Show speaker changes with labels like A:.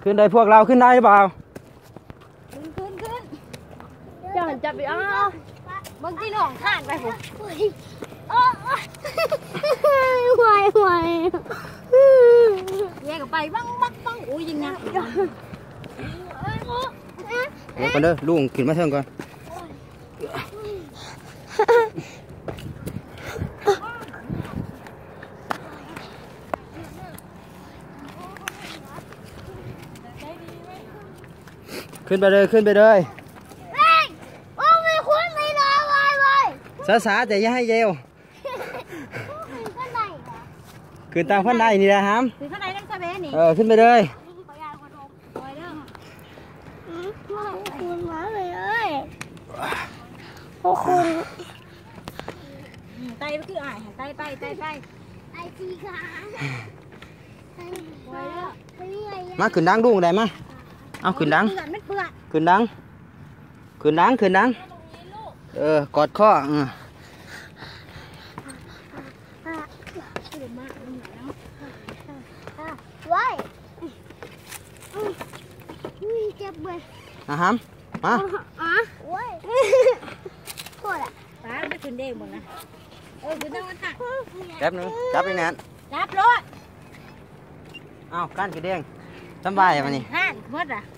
A: ขึ้นได้พวกเราขึ้นได้หรือเปล่า
B: ขึ้นจะหันจับไปอ้าวบางทีน้องข้านไปผมไหวแยกไปบ้างอุ้ยยิงนะ
A: เดี๋ยวก่อนเด้อลุงขึ้นมาเทิงก่อนขึ้นไปเลยช้าๆแต่อย่าให้เยวขึ้นตามขั้นใดนี่นะฮะ
B: ขึ้นขั้นใดนั่งซาเบนี่
A: ขึ้นไปเลย
B: คุณมาเลยพวกคุณไตก็คือไตไปไตจีค่ะ
A: มาขึ้นดังดูได้มาเอาขึ้นดังขึ้นดังกอดข้อ
B: ว้ายเจ็บเลย
A: ฮะมา
B: ว้ายโคตรอ่ะป้าไม่ขึ้นเด้งหมดนะขึ้นได้วันค่ะ
A: แป๊บนึงจับไปแน่น
B: จับรถ
A: เอาก้านกระเด้งสบายอ่ะมันนี่
B: ห่านหมดอ่ะ